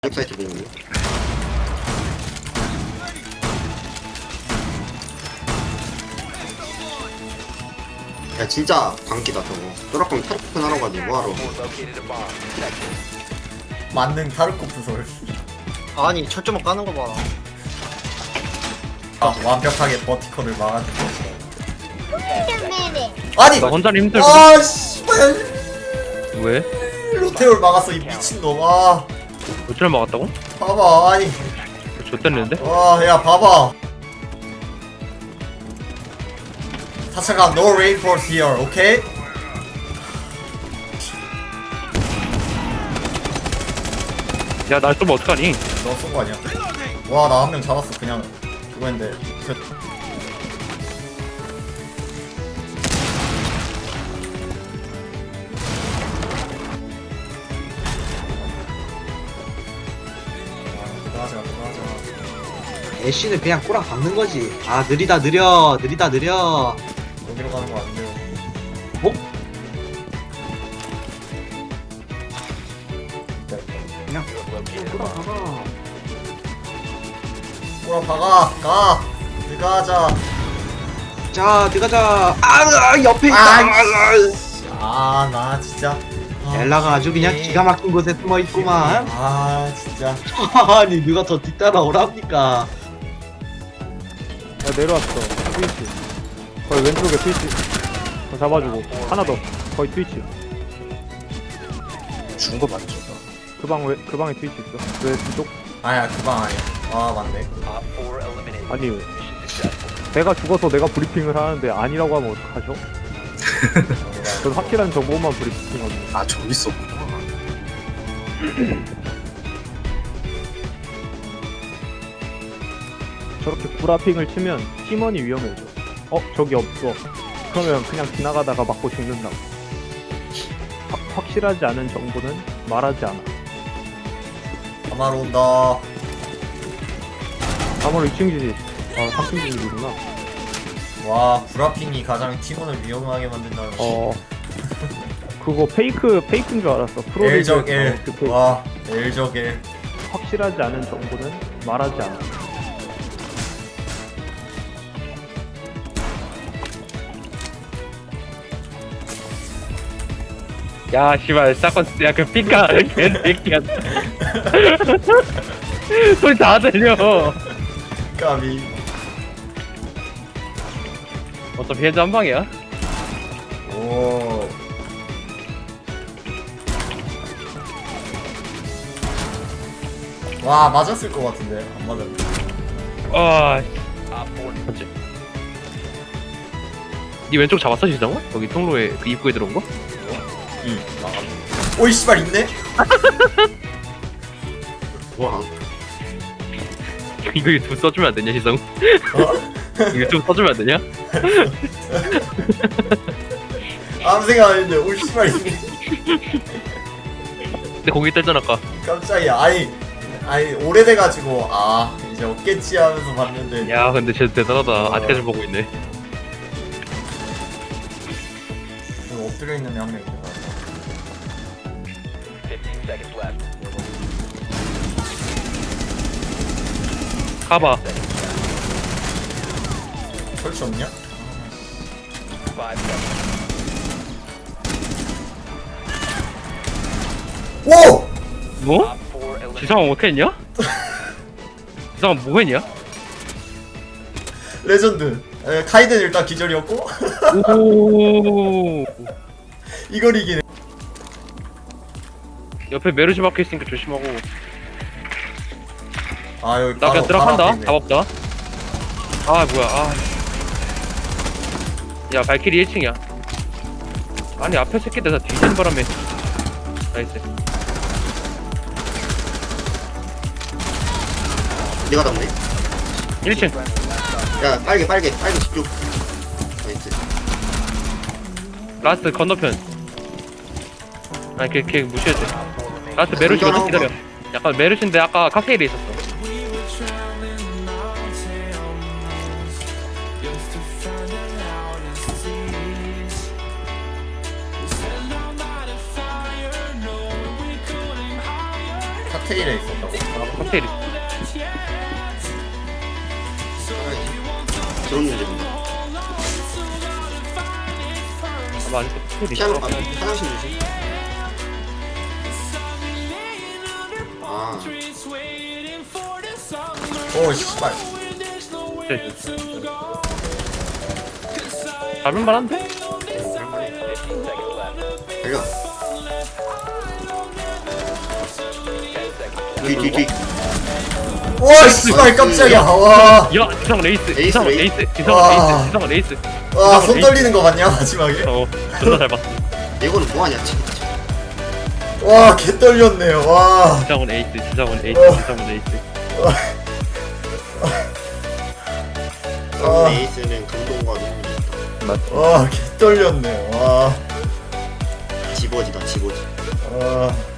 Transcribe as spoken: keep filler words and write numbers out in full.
웹사이트 보는 야 진짜 광기다 저거. 또락광 타르코픈 하러 가지 뭐하러. 만능 타르코프 솔. 아니 철조망 까는 거 봐. 아, 완벽하게 버티컬을 막아준 것이다. 아니! 나 혼자는 힘들고. 아 씨발 왜? 로테올 막았어 이 미친놈. 아 어찌를 막았다고? 봐봐. 아니 좆됐는데? 와야 봐봐. 타차가 no reinforce here, 오케이? 야, 날 쏘면 어떡하니? 너 쏜 거 아니야? 와 나 한 명 잡았어. 그냥 그거 했는데 그... 들어가자 들어가자. 애쉬는 그냥 꼬랑 박는 거지. 아 느리다 느려 느리다 느려. 여기로 가는 거 안 돼요. 뭐? 그냥 꼬랑 박아. 꼬라 박아 가 들어가자. 자 들어가자. 아 옆에 있다. 아 나 진짜 아, 엘라가 아주 그냥 기분이- 기가 막힌 곳에 숨어 있구만. 아 진짜 아니 누가 더 뒤따라오랍니까? 야 내려왔어. 트위치 거의 왼쪽에 트위치 더 잡아주고 하나 더 거의 트위치 죽은 거 맞죠? 그 방 왜 그 방에 트위치 있어. 왜 뒤쪽? 아야 그 방 아니야. 아 맞네. 아니 내가 죽어서 내가 브리핑을 하는데 아니라고 하면 어떡하죠? 전 확실한 정보만 브리핑하고. 아 저기 있었구나. 저렇게 구라핑을 치면 팀원이 위험해져. 어 저기 없어. 그러면 그냥 지나가다가 맞고 죽는다고. 확- 확실하지 않은 정보는 말하지 않아. 아마로 온다. 아무리 이 층 지지. 아 삼 층 지지구나. 와 브라핑이 가장 팀원을 위험하게 만든다는. 어 그거 페이크 페이크인 줄 알았어. 프로리그 엘적 일. 그 페이크. 와 엘적 일. 확실하지 않은 정보는 말하지 않아. 야, 씨발, 사건, 야, 그 삐까, 개새끼야. 소리 다 들려. 까비. 어차피 해저 한 방이야. 오. 와 맞았을 것 같은데 안 맞았네. 아, 맞지? 니 왼쪽 잡았어, 지상호? 여기 통로에, 그 입구에 들어온 거? 응 막았네. 오이 씨발 있네. 와 이거 유튜브 써주면 안 되냐, 지상호? 어? 이거 유튜브 써주면 안 되냐? 아무 생각 안 했는데 오이 씨발 있네. 근데 거기 있다잖아, 아까. 깜짝이야. 아니 아니 오래돼가지고 아 이제 없겠지 하면서 봤는데. 야, 근데 쟤 대단하다. 어. 아직까지 보고 있네. 여기 엎드려 있는 애 한 명 있는 거 같아. 가봐. 설치 없냐? 오! 뭐? 지상호 못했냐? 지상호 뭐 했냐? 레전드. 에, 카이든 일단 기절이었고 오. 이걸 이기네. 옆에 메르시 박혀 있으니까 조심하고. 아 여기 나 바로 그냥 들어간다. 바로 앞에 답 없다. 아 뭐야. 아. 야 발키리 일 층이야. 아니 앞에 새끼들 다 뒤지는 바람에. 나이스. 내가 잡네. 일 층. 야 빨개 빨개 빨개 집중. 나이스. 라스트 건너편. 아니 걔, 걔 무시해도 돼. 라스트 메르시 어디 기다려. 약간 메르시인데 아까 칵테일에 있었어. 칵테일에 있었다고? 아 칵테일이 있어. 들었는지 본다. 아마 아직도 칵테일이 피아노 있어. 아, 화장실 주시. 아, 오 씨발. 네. 잡을 만한데? 달려. 뒤, 뒤, 뒤. 와 씨발 깜짝이야. 와. 야 지상은 에이스 에이스, 지상은 에이스. 에이스 지상은 와. 에이스 지상은 에이스 와 손 떨리는 거 봤냐 마지막에? 어 존나 잘 봤어. 이거는 뭐하냐, 진짜. 와 개 떨렸네요. 와. 지상은 에이스 지상은 에이스 어. 지상은 에이스. 아. 에이스는 감동과 눈물이 있다. 맞지. 와 개 떨렸네. 와. 집어지다, 집어지. 아.